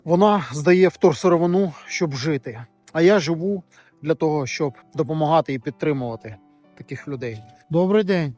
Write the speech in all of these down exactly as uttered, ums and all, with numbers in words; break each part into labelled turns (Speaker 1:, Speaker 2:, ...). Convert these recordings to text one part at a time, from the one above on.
Speaker 1: Вона здає вторсировину, щоб жити. А я живу для того, щоб допомагати і підтримувати таких людей. Добрий день.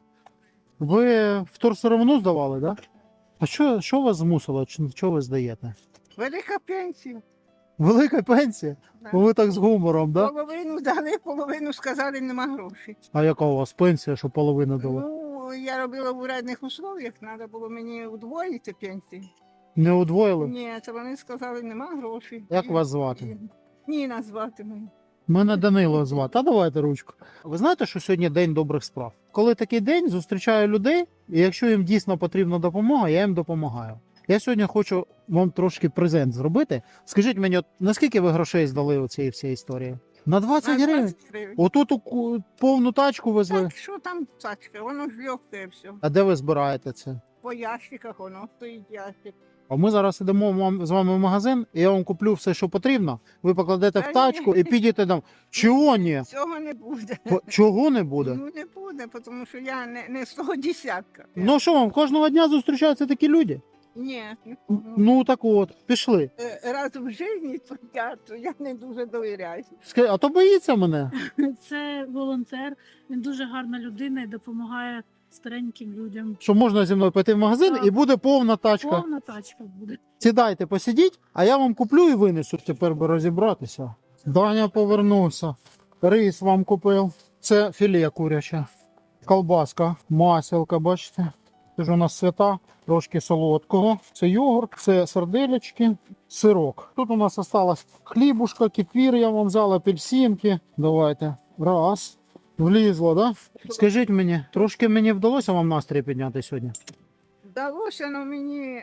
Speaker 1: Ви вторсировину здавали, так? Да? А що, що вас змусило? Що ви здаєте?
Speaker 2: Велика пенсія.
Speaker 1: Велика пенсія?
Speaker 2: Да.
Speaker 1: Ви так з гумором, так? Да?
Speaker 2: Половину дали, половину сказали, нема грошей.
Speaker 1: А яка у вас пенсія, що половину дали?
Speaker 2: Ну, я робила в урядних условиях, треба було мені удвоїти пенсію.
Speaker 1: Не удвоїли?
Speaker 2: Ні, це вони сказали, нема грошей.
Speaker 1: Як
Speaker 2: І-
Speaker 1: вас звати?
Speaker 2: і- Ніна звати мене.
Speaker 1: Мене Данило звати. А давайте ручку. Ви знаєте, що сьогодні день добрих справ? Коли такий день, зустрічаю людей, і якщо їм дійсно потрібна допомога, я їм допомагаю. Я сьогодні хочу вам трошки презент зробити. Скажіть мені, от наскільки ви грошей здали у цій всій історії? На двадцять
Speaker 2: На
Speaker 1: гривень?
Speaker 2: двадцять гривень.
Speaker 1: Отут у ку- повну тачку везли.
Speaker 2: Так, що там тачка? Воно ж легке все.
Speaker 1: А де ви збираєте це?
Speaker 2: По ящиках воно стоїть ящик.
Speaker 1: А ми зараз йдемо вам- з вами в магазин, і я вам куплю все, що потрібно. Ви покладете
Speaker 2: Та
Speaker 1: в
Speaker 2: ні.
Speaker 1: тачку і підете там. Чого ні?
Speaker 2: Цього не буде.
Speaker 1: По- Чого не буде?
Speaker 2: Ну не буде, тому що я не, не з того десятка.
Speaker 1: Ну що вам, кожного дня зустрічаються такі люди?
Speaker 2: Ні. не
Speaker 1: Ну так от, пішли.
Speaker 2: Е, раз в житті, то я, то я не дуже довіряю.
Speaker 1: Ска- А то боїться мене.
Speaker 3: Це волонтер, він дуже гарна людина і допомагає стареньким людям.
Speaker 1: Що можна зі мною піти в магазин
Speaker 3: Так.
Speaker 1: і буде повна тачка.
Speaker 3: Повна тачка буде.
Speaker 1: Сідайте, посидіть, а я вам куплю і винесу. Тепер би розібратися. Даня повернувся. Рис вам купив. Це філе куряче. Колбаска, маселка, бачите. Це ж у нас свята, трошки солодкого. Це йогурт, це сарделечки, сирок. Тут у нас осталась хлібушка, кефір я вам взяла, апельсинки. Давайте. Раз. Влізло, да? Скажіть мені, трошки мені вдалося вам настрій підняти сьогодні?
Speaker 2: Вдалося, але мені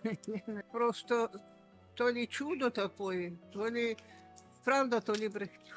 Speaker 2: просто то лі чудо таке, то лі правда, то лі брехня.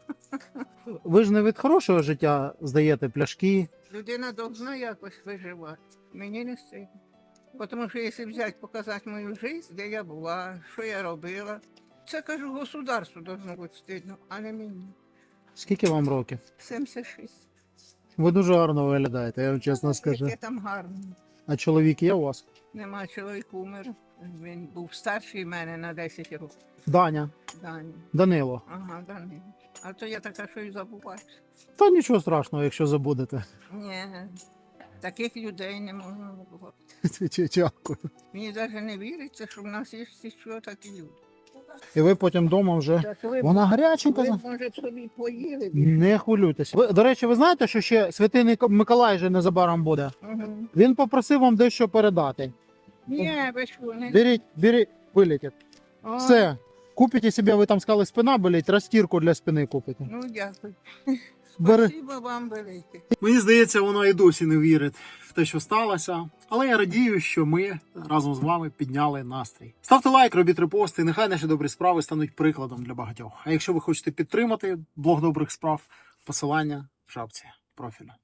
Speaker 1: Ви ж не від хорошого життя здаєте пляшки.
Speaker 2: Людина повинна якось виживати. Мені не стидно. Тому що якщо взяти, показати мою життя, де я була, що я робила, це, кажу, государству повинно бути стидно, а не мені.
Speaker 1: Скільки вам років?
Speaker 2: сімдесят шість.
Speaker 1: Ви дуже гарно виглядаєте, я вам чесно скажу.
Speaker 2: Яке там гарно.
Speaker 1: А чоловік є у вас?
Speaker 2: Нема, чоловік умер. Він був старший мене на десять років.
Speaker 1: Даня,
Speaker 2: Дані.
Speaker 1: Данило.
Speaker 2: Ага, Дані. А то я така, що і забуваю.
Speaker 1: Та нічого страшного, якщо забудете.
Speaker 2: Ні, таких людей не можна забувати.
Speaker 1: Дякую.
Speaker 2: Мені навіть не віриться, що в нас є ще такі люди.
Speaker 1: І ви потім вдома вже.
Speaker 2: Так ви,
Speaker 1: Вона гаряченька.
Speaker 2: ви
Speaker 1: за-
Speaker 2: може, собі поїли.
Speaker 1: Не хвилюйтесь. Ви, до речі, ви знаєте, що ще святий Ник- Миколай же незабаром буде?
Speaker 2: Угу.
Speaker 1: Він попросив вам дещо передати.
Speaker 2: Ні, ви що, не...
Speaker 1: Беріть, беріть, вилетить.
Speaker 2: О,
Speaker 1: Все. Купите себе, ви там сказали, спина болить, розтірку для спини купите.
Speaker 2: Ну, дякую.
Speaker 1: Бери.
Speaker 2: Спасибо вам велике.
Speaker 1: Мені здається, вона і досі не вірить в те, що сталося. Але я радію, що ми разом з вами підняли настрій. Ставте лайк, робіть репости, нехай наші добрі справи стануть прикладом для багатьох. А якщо ви хочете підтримати блог добрих справ, посилання в шапці профілю.